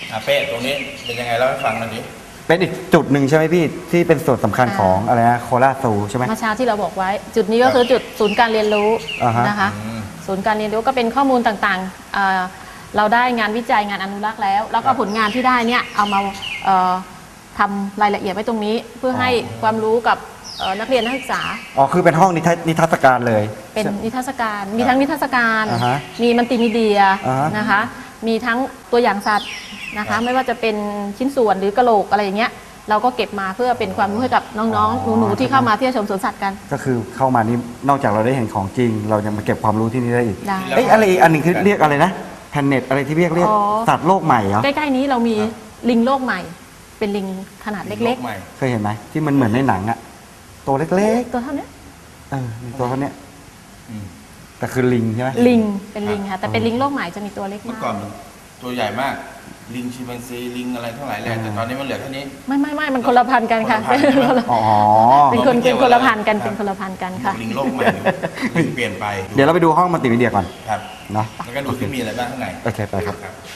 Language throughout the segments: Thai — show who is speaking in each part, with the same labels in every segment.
Speaker 1: เป้ตรงนี้เป็นยังไงเล่าให้ฟังหน่อยดิ
Speaker 2: เป็นอีกจุดหนึ่งใช่ไหมพี่ที่เป็นส่วนสำคัญของอะไรนะโคราชซูใช่ไหม
Speaker 3: เมื่อเช้าที่เราบอกไว้ จุดนี้ก็คือจุดศูนย์การเรียนรู้นะคะศูนย์การเรียนรู้ก็เป็นข้อมูลต่างๆเราได้งานวิจัยงานอนุรักษ์แล้วก็ผลงานที่ได้เนี่ยเอามาทำรายละเอียดไว้ตรงนี้เพื่อให้ความรู้กับนักเรียนนักศึกษา
Speaker 2: คือเป็นห้องนิทรรศการเลย
Speaker 3: เป็นนิทรรศการมีทั้งนิทรรศการมีมัลติมีเดียนะคะมีทั้งตัวอย่างสัตว์นะคะไม่ว่าจะเป็นชิ้นส่วนหรือกะโหลกอะไรอย่างเงี้ยเราก็เก็บมาเพื่อเป็นความรู้ให้กับน้องๆหนูๆที่เข้ามาเที่ยวชมสวนสัตว์กัน
Speaker 2: ก็คือเข้ามานี่นอกจากเราได้เห็นของจริงเรายังมาเก็บความรู้ที่นี่ได้อีก
Speaker 3: ได้
Speaker 2: อะไรอันหนึ่งคือเรียกอะไรนะแพนเน็ตอะไรที่เรียกสัตว์โลกใหม่เหรอ
Speaker 3: ใกล้ๆนี้เรามีลิงโลกใหม่เป็นลิงขนาดเล็ก
Speaker 2: ๆเคยเห็นไหมที่มันเหมือนในหนังอะตัวเล็ก
Speaker 3: ๆตัวเท่านี้
Speaker 2: ตัวเท่านี้แต่คือลิงใช่ไหม
Speaker 3: ลิงเป็นลิงค่ะแต่เป็นลิงโลกใหม่จะมีตัวเล็กมาก
Speaker 1: เมื่อก่อนตัวใหญ่มากลิงชิมแปนซีลิงอะไรทั้งหลายแหล่แต่ตอนนี้มันเหลือแค่นี้
Speaker 3: ไม่มันคนละพันกันค่ะเป็นคนละพันกันเป็นคนละพันกันค่ะ
Speaker 1: ลิงโลกใหม่ลิงเปลี่ยนไป
Speaker 2: เดี๋ยวเราไปดูห้องมัลติมีเดียก่อน
Speaker 1: ครับ
Speaker 2: เนาะ
Speaker 1: แล้วก็ดูที่มีอะไรบ้างข้างใน
Speaker 2: โอเคไปครับ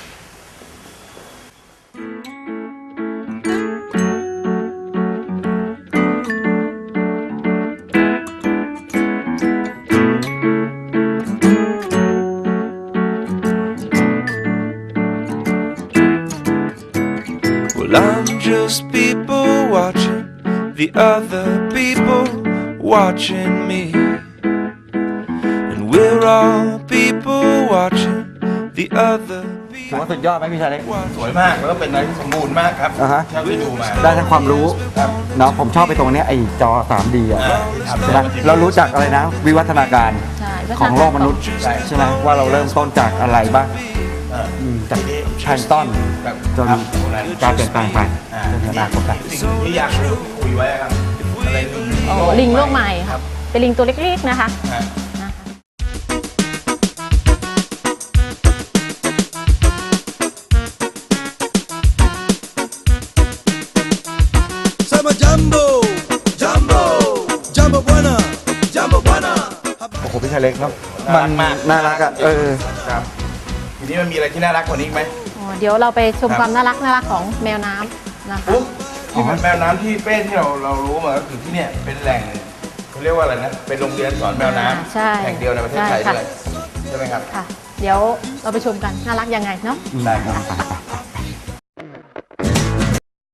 Speaker 4: I'm just people watching the other people watching me, and we're all people watching the other.
Speaker 2: ถือว่าสุดยอดไหมพี่ชายเล็ก
Speaker 1: สวยมากแล้วก็เป็นอะไรที่สมบูรณ์มากครับเท่าที่ดูมา
Speaker 2: ได้ทั้งความรู้เนาะผมชอบไปตรงนี้ไอ้จอ 3D อ่ะใช่ไหมเรารู้จักอะไรนะวิวัฒนาการของโลกมนุษย์ใช่ไหมว่าเราเริ่มต้นจากอะไรบ้างจากแพลงก์ต้นจนการเปลี่ยนแปลงไปจนอนาคต
Speaker 1: ที่อยากคุยไว้ครับอะไร
Speaker 3: ลิงโลกใหม่ครับเป็นลิงตัวเล็กๆนะคะ
Speaker 2: โอ้โหพี่ชายเล็กเนาะมันน่ารักอ่ะ
Speaker 1: ครับทีนี้มันมีอะไรที่น่ารักกว่านี้ไหม
Speaker 3: เดี๋ยวเราไปชมความน่ารักของแมวน้ำนะคะ
Speaker 1: ที่แมวน้ำที่เป้ที่เรารู้มาก็คือที่เนี่ยเป็นแหล่งเขาเรียกว่าอะไรนะเป็นโรงเรียนสอนแมวน้ำแห่งเดียวในประเทศไทยด้วยใช่ไหมครับ
Speaker 3: ค่ะเดี๋ยวเราไปชมกันน่ารักยังไงเนาะ
Speaker 1: ได้ครับ